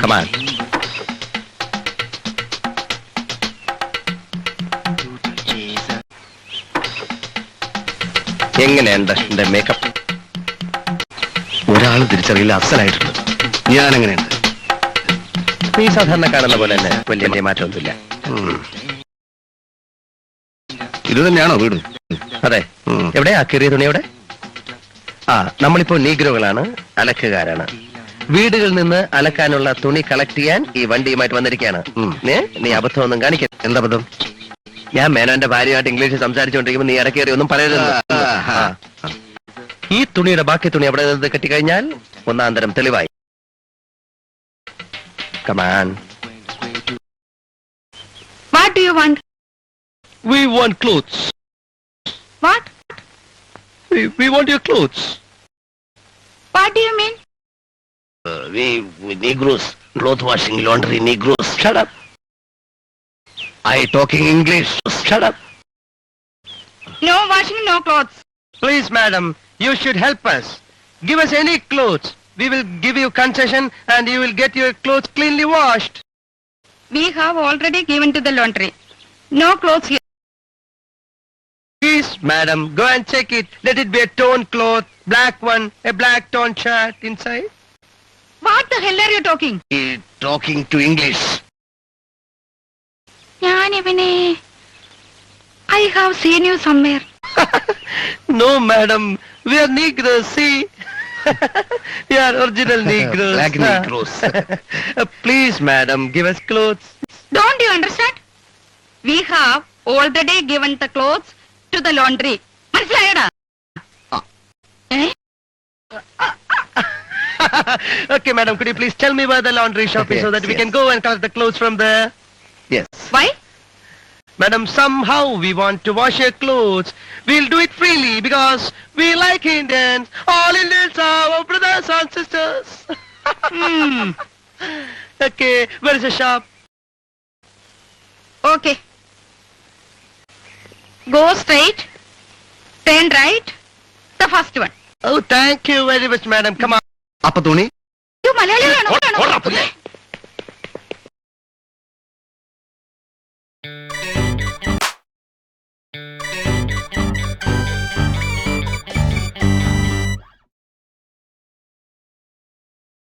Come on. എങ്ങനെയുണ്ട് എന്റെ makeup? ഒരാളും തിരിച്ചറിയില്ല, അഫ്സലായിട്ടുണ്ട്. ഞാൻ എങ്ങനെയുണ്ട്? നീ സാധാരണ കാണുന്ന പോലെ തന്നെ, വലിയ മാറ്റമൊന്നുമില്ല. ഇത് തന്നെയാണോ വീട്? അതെ. എവിടെയാ കീറിയ തുണി? എവിടെ? നമ്മളിപ്പോ നീഗ്രോകളാണ്, അലക്കുകാരാണ്. വീടുകളിൽ നിന്ന് അലക്കാനുള്ള തുണി കളക്ട് ചെയ്യാൻ ഈ വണ്ടിയുമായിട്ട് വന്നിരിക്കുകയാണ്. നീ അബദ്ധമൊന്നും കാണിക്കരുത്. എന്താ അബദ്ധം? ഞാൻ മേനോന്റെ ഭാര്യയായിട്ട് ഇംഗ്ലീഷിൽ സംസാരിച്ചുകൊണ്ടിരിക്കുമ്പോൾ നീ ഇടക്കേറി ഒന്നും പറയരുത്. ഈ തുണിയുടെ ബാക്കി തുണി അവിടെ നിന്ന് കെട്ടിക്കഴിഞ്ഞാൽ ഒന്നാം തരം തെളിവായി. Come on. What do you want? We want clothes. What? We want your clothes. What do you mean? We Negroes, cloth washing, laundry, Negroes. Shut up. I talking English. Shut up. No washing, no clothes. Please, madam, you should help us. Give us any clothes. We will give you concession and you will get your clothes cleanly washed. We have already given to the laundry. No clothes here. Please, madam, go and check it. Let it be a torn cloth, black one, a black torn shirt inside. What the hell are you talking? Talking to English. I have seen you somewhere. No, madam, we are Negroes, see? We are original Negroes. Black Negroes. Please, madam, give us clothes. Don't you understand? We have already given the clothes to the laundry. മനസ്സിലായടാ? Okay, madam, could you please tell me where the laundry shop is so that we can go and collect the clothes from there? Yes. Why? Madam, somehow we want to wash your clothes. We'll do it freely because we like Indians. All Indians are our brothers and sisters. Okay, where is the shop? Okay. Go straight, turn right, the first one. Oh, thank you very much, madam. Come on. അപ്പൊ തുണി You Malayali